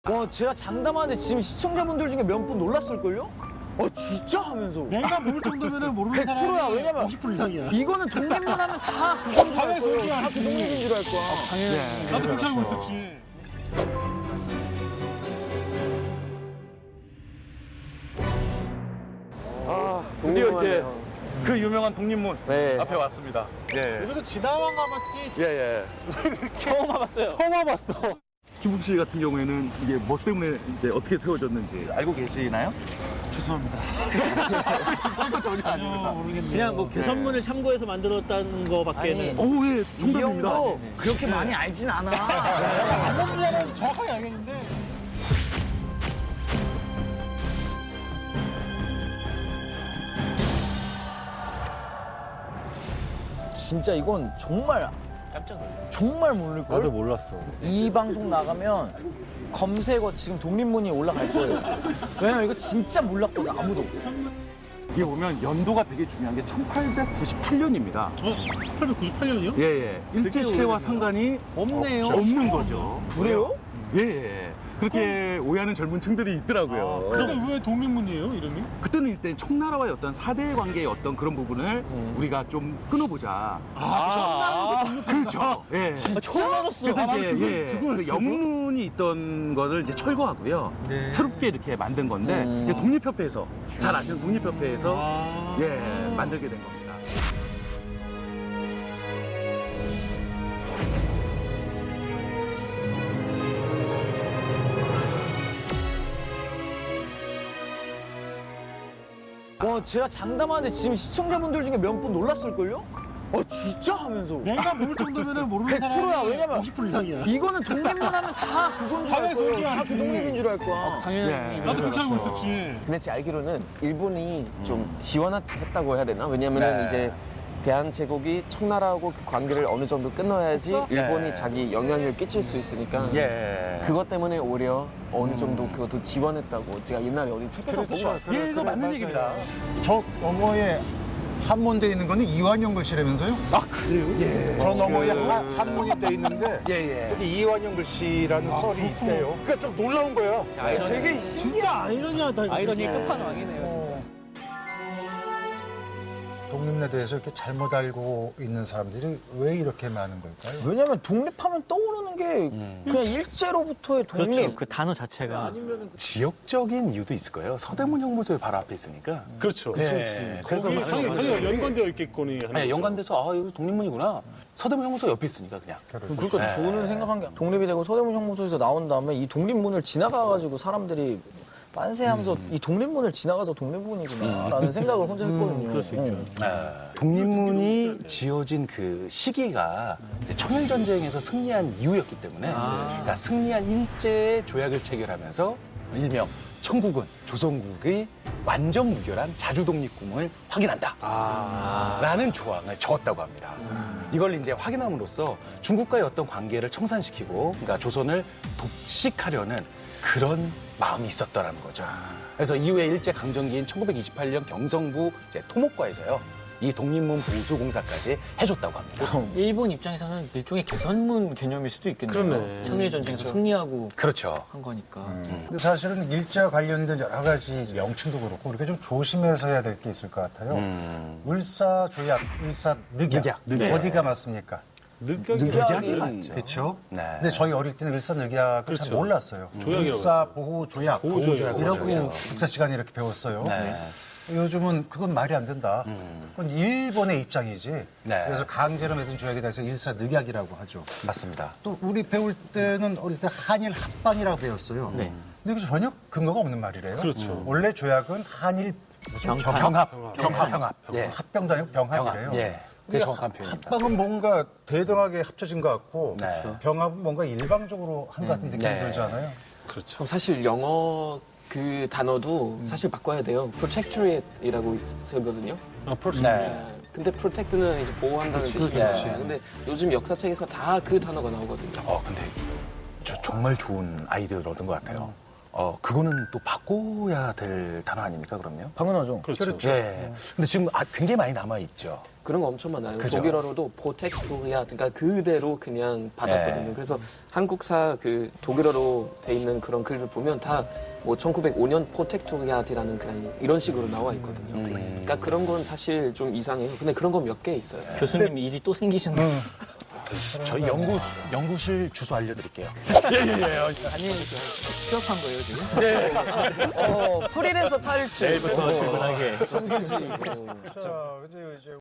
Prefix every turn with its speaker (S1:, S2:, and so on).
S1: 와, 제가 장담하는데 지금 시청자분들 중에 몇 분 놀랐을걸요? 진짜? 하면서.
S2: 내가 모를 정도면은 모르는
S1: 100%야.
S2: 사람이
S1: 왜냐면
S2: 50% 이상이야.
S1: 이거는 독립만 하면 다 그건 줄 알
S2: 당연히
S1: 거예요.
S2: 그런 줄
S1: 다
S2: 알았지.
S1: 그 독립인 줄 알 거야. 당연히.
S2: 나도 그렇게 알고 있었지.
S3: 드디어 이제 그 유명한 독립문
S1: 네.
S3: 앞에 왔습니다. 예.
S2: 여기도 지나만 가봤지.
S3: 예, 예.
S1: 처음 와봤어요.
S3: 처음 와봤어. 김국 씨 같은 경우에는 이게 뭐 때문에 이제 어떻게 세워졌는지 알고 계시나요?
S2: 죄송합니다.
S3: 그거 전혀
S2: 전혀 모르겠네요.
S4: 그냥 뭐 개선문을 참고해서 만들었다는 거밖에는.
S3: 오, 예,
S1: 이
S3: 정답입니다.
S1: 형도 그렇게 많이 알진 않아.
S2: 방금 분야는 정확하게 알겠는데.
S1: 진짜 이건 정말
S4: 깜짝 놀랐어.
S1: 정말 모를걸?
S3: 몰랐어.
S1: 이 방송 나가면 검색어 지금 독립문이 올라갈 거예요. 왜냐면 이거 진짜 몰랐거든, 아무도.
S3: 이게 보면 연도가 되게 중요한 게 1898년입니다.
S2: 1898년이요?
S3: 예, 예. 일제시대와 상관이
S4: 없네요.
S3: 없는 거죠.
S1: 그래요?
S3: 예, 예. 그렇게 오해하는 젊은 층들이 있더라고요.
S2: 근데 왜 독립문이에요, 이름이?
S3: 그때는 일단 청나라와의 어떤 사대 관계의 어떤 그런 부분을 우리가 좀 끊어보자. 그렇죠. 예.
S4: 처음 알았어.
S3: 그래서 이제
S2: 그거였어요?
S3: 그 영문이 있던 거를 이제 철거하고요. 새롭게 이렇게 만든 건데 이게 독립협회에서 잘 아시는 독립협회에서 만들게 된 겁니다.
S1: 와, 제가 장담하는데 지금 시청자분들 중에 몇 분 놀랐을걸요? 진짜? 하면서.
S2: 내가 모를 정도면은 모르는
S1: 100% 야.
S2: 사람이
S1: 왜냐면
S2: 50% 이상이야.
S1: 이거는 독립만 하면 다 그건 줄 알
S2: 당연히
S1: 거예요.
S2: 그런 줄
S1: 다 그
S2: 알았지.
S1: 독립인 줄 알 거야.
S4: 당연히.
S3: 예.
S2: 나도 그렇게 알고 있었지.
S5: 근데 제 알기로는 일본이 좀 지원했다고 해야 되나? 왜냐면은
S3: 네.
S5: 이제 대한제국이 청나라하고 그 관계를 어느 정도 끊어야지 일본이
S3: 네.
S5: 자기 영향을 끼칠 수 있으니까
S3: 예.
S5: 그것 때문에 오히려 어느 정도 그것도 지원했다고 제가 옛날에 어디 책에서 보고 왔어요.
S3: 예, 이거 맞는 얘기입니다.
S6: 저 너머에 한문돼 있는 거는 이완용 글씨라면서요? 아 그래요? 저 너머에 한문이 돼 있는데
S3: 예, 예.
S6: 여기 이완용 글씨라는 썰이 있대요. 그러니까 좀 놀라운 거야.
S1: 되게
S2: 진짜 아이러니하다. 이거
S4: 아이러니
S2: 되게.
S4: 끝판왕이네요, 진짜.
S6: 독립에 대해서 이렇게 잘못 알고 있는 사람들이 왜 이렇게 많은 걸까요?
S1: 왜냐면 독립하면 떠오르는 게 그냥 일제로부터의 독립.
S4: 그렇죠. 그 단어 자체가.
S3: 지역적인 이유도 있을 거예요. 서대문 형무소에 바로 앞에 있으니까.
S2: 그렇죠.
S3: 네. 그래서
S2: 거기
S3: 많은
S2: 당연히
S3: 사람들이
S2: 연관되어 있겠거니.
S3: 아니, 연관돼서 여기 독립문이구나. 서대문 형무소 옆에 있으니까 그냥.
S1: 그러니까 저는 생각한 게 독립이 되고 서대문 형무소에서 나온 다음에 이 독립문을 지나가가지고 사람들이 빤세하면서 이 독립문을 지나가서 독립문이구나라는 생각을 혼자 했거든요.
S4: 그럴 수 있죠.
S3: 독립문이 지어진 그 시기가 이제 청일전쟁에서 승리한 이후였기 때문에 그러니까 승리한 일제의 조약을 체결하면서 일명 청국은 조선국의 완전 무결한 자주독립 꿈을 확인한다 라는 조항을 적었다고 합니다. 이걸 이제 확인함으로써 중국과의 어떤 관계를 청산시키고 그러니까 조선을 독식하려는 그런 마음이 있었다라는 거죠. 그래서 이후에 일제 강점기인 1928년 경성부 이제 토목과에서요. 이 독립문 보수 공사까지 해줬다고 합니다.
S4: 일본 입장에서는 일종의 개선문 개념일 수도 있겠네요.
S2: 그러네.
S4: 청일전쟁에서 승리하고
S3: 그렇죠.
S4: 한 거니까.
S6: 근데 사실은 일제와 관련된 여러 가지 명칭도 그렇고 우리가 좀 조심해서 해야 될 게 있을 것 같아요. 을사조약, 을사늑약
S3: 네.
S6: 어디가 맞습니까?
S3: 늑약이 맞죠.
S6: 그렇죠.
S3: 네.
S6: 근데 저희 어릴 때는 을사늑약을 잘 몰랐어요.
S2: 조약이라고
S6: 을사보호조약
S2: 보호조약.
S6: 이라고
S3: 그렇죠.
S6: 국사 시간에 이렇게 배웠어요.
S3: 네.
S6: 요즘은 그건 말이 안 된다. 그건 일본의 입장이지.
S3: 네.
S6: 그래서 강제로 맺은 조약에 대해서 일사늑약이라고 하죠.
S3: 맞습니다.
S6: 또 우리 배울 때는 어릴 때 한일 합방이라고 배웠어요.
S4: 네.
S6: 근데 그게 전혀 근거가 없는 말이래요.
S2: 그렇죠.
S6: 원래 조약은 한일 무슨
S3: 병합. 예.
S6: 합병도 아니고 병합이래요.
S3: 병합. 예. 그게 정확한 표현입니다.
S6: 합방은 뭔가 대등하게 합쳐진 것 같고
S3: 네. 그렇죠.
S6: 병합은 뭔가 일방적으로 한 것 같은 느낌이
S3: 네.
S6: 들잖아요.
S5: 그럼 사실 영어 그 단어도 사실 바꿔야 돼요. protectorate이라고 쓰거든요.
S3: 네.
S5: 근데 protect는 이제 보호한다는 뜻이잖아요. 근데 요즘 역사책에서 다 그 단어가 나오거든요.
S3: 근데 저 정말 좋은 아이디어를 얻은 것 같아요. 그거는 또 바꿔야 될 단어 아닙니까, 그럼요?
S1: 당연하죠.
S2: 그렇죠.
S3: 예. 근데 지금 굉장히 많이 남아있죠.
S5: 그런 거 엄청 많아요.
S3: 그죠?
S5: 독일어로도 포텍토리아, 그러니까 그대로 그냥 받았거든요. 그래서 한국사 그 독일어로 돼 있는 그런 글을 보면 다 뭐 1905년 포텍토리아트라는 그냥 이런 식으로 나와 있거든요. 그러니까 그런 건 사실 좀 이상해요. 근데 그런 거 몇 개 있어요.
S4: 교수님 일이 또 생기셨네요.
S3: 저희 연구실 주소 알려드릴게요.
S4: 취업한 거예요, 지금?
S1: 프리랜서 탈출.
S4: 내일부터 출근하게.
S1: 정규직.
S6: 자, 이제